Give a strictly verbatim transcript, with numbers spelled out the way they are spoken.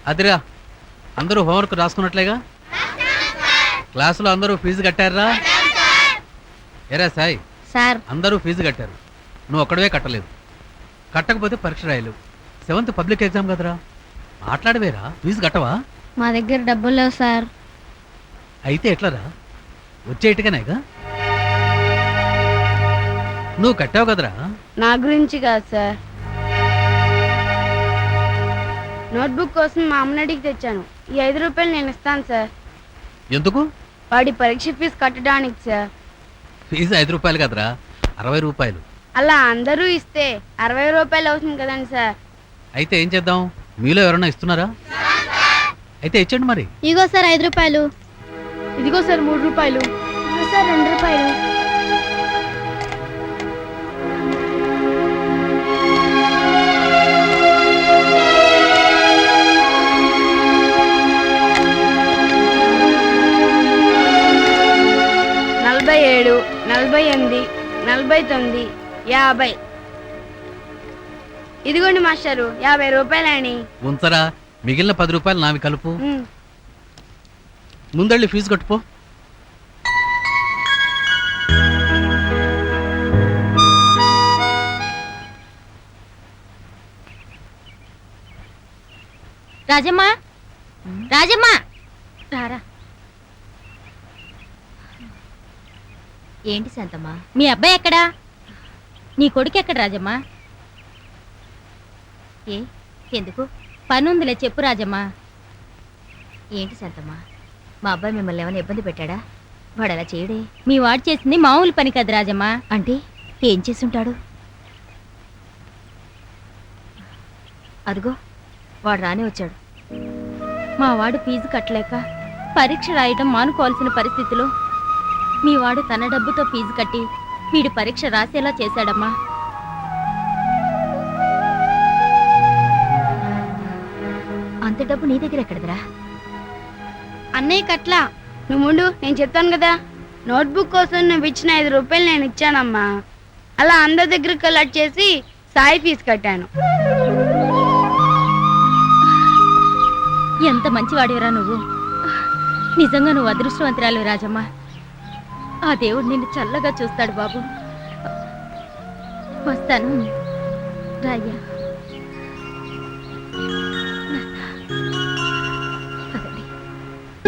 అదిరా, అందరూ హోంవర్క్ రాసుకున్నట్లేగా? క్లాసులో అందరూ ఫీజు కట్టారా? ఎరా సాయి సార్, అందరూ ఫీజు కట్టారు, నువ్వు ఒక్కడవే కట్టలేదు. కట్టకపోతే పరీక్ష రాయలేవు. సెవెంత్ పబ్లిక్ ఎగ్జామ్ కదరా, మాట్లాడవేరా? ఫీజు కట్టవా? మా దగ్గర డబ్బులు లేవు సార్. అయితే ఎట్లరా? వచ్చేట్టుగానేగా. నువ్వు కట్టావు కదరా? నా గురించి కాదు సార్, నోట్బుక్ కోసం మా అమ్మని అడిగి తెచ్చాను. ఈ ఐదు రూపాయలు నేను ఇస్తాను సార్. ఎందుకు? వాడి పరీక్ష ఫీజు కట్టడానికి సార్. ఫీజు ఐదు రూపాయలు కదరా, అరవై రూపాయలు. అలా అందరూ ఇస్తే అరవై రూపాయలు అవుతుంది కదండి సార్. అయితే ఏం చేద్దాం? మీలో ఎవరన్నా ఇస్తున్నారా? అయితే ఇచ్చండి మరి. ఇదిగో సార్ ఐదు రూపాయలు. ఇదిగో సార్ మూడు రూపాయలు. ఇదిగో సార్ రెండు రూపాయలు. నలభై ఏడు, నలభై ఎనిమిది, నలభై తొమ్మిది, యాభై. ఇదిగోండి మాస్టారు, యాభై రూపాయలని. ఉంచరా, మిగిలిన పది రూపాయలు నావి కలుపు. ముందళ్ళి ఫీజు కట్టుపో. రాజమ్మా, రాజమ్మా రారా. ఏంటి శాంతమ్మా, మీ అబ్బాయి ఎక్కడా? నీ కొడుకు ఎక్కడ రాజమ్మా? ఏ ఎందుకు? పనుందిలే చెప్పు రాజమ్మా. ఏంటి శాంతమ్మా, మా అబ్బాయి మిమ్మల్ని ఏమైనా ఇబ్బంది పెట్టాడా? వాడు అలా చేయడే. మీ వాడు చేసింది మామూలు పని కదా రాజమ్మా. అంటే ఏం చేసుంటాడు? అదిగో వాడు రానే వచ్చాడు. మా వాడు ఫీజు కట్టలేక పరీక్ష రాయడం మానుకోవాల్సిన పరిస్థితిలో మీ వాడు తన డబ్బుతో ఫీజు కట్టి వీడి పరీక్ష రాసేలా చేశాడమ్మా. అంత డబ్బు నీ దగ్గర ఎక్కడదరా? అన్నయ్య కట్లా. నువ్వు ముందు, నేను చెప్తాను కదా. నోట్బుక్ కోసం నువ్వు ఇచ్చిన ఐదు రూపాయలు నేను ఇచ్చానమ్మా. అలా అందరి దగ్గర కలెక్ట్ చేసి సాయి ఫీజు కట్టాను. ఎంత మంచివాడివరా నువ్వు. నిజంగా నువ్వు అదృష్టవంతురాలు రాజమ్మ. ఆ దేవుడు నిన్ను చల్లగా చూస్తాడు బాబు. వస్తాను రాయ్యా.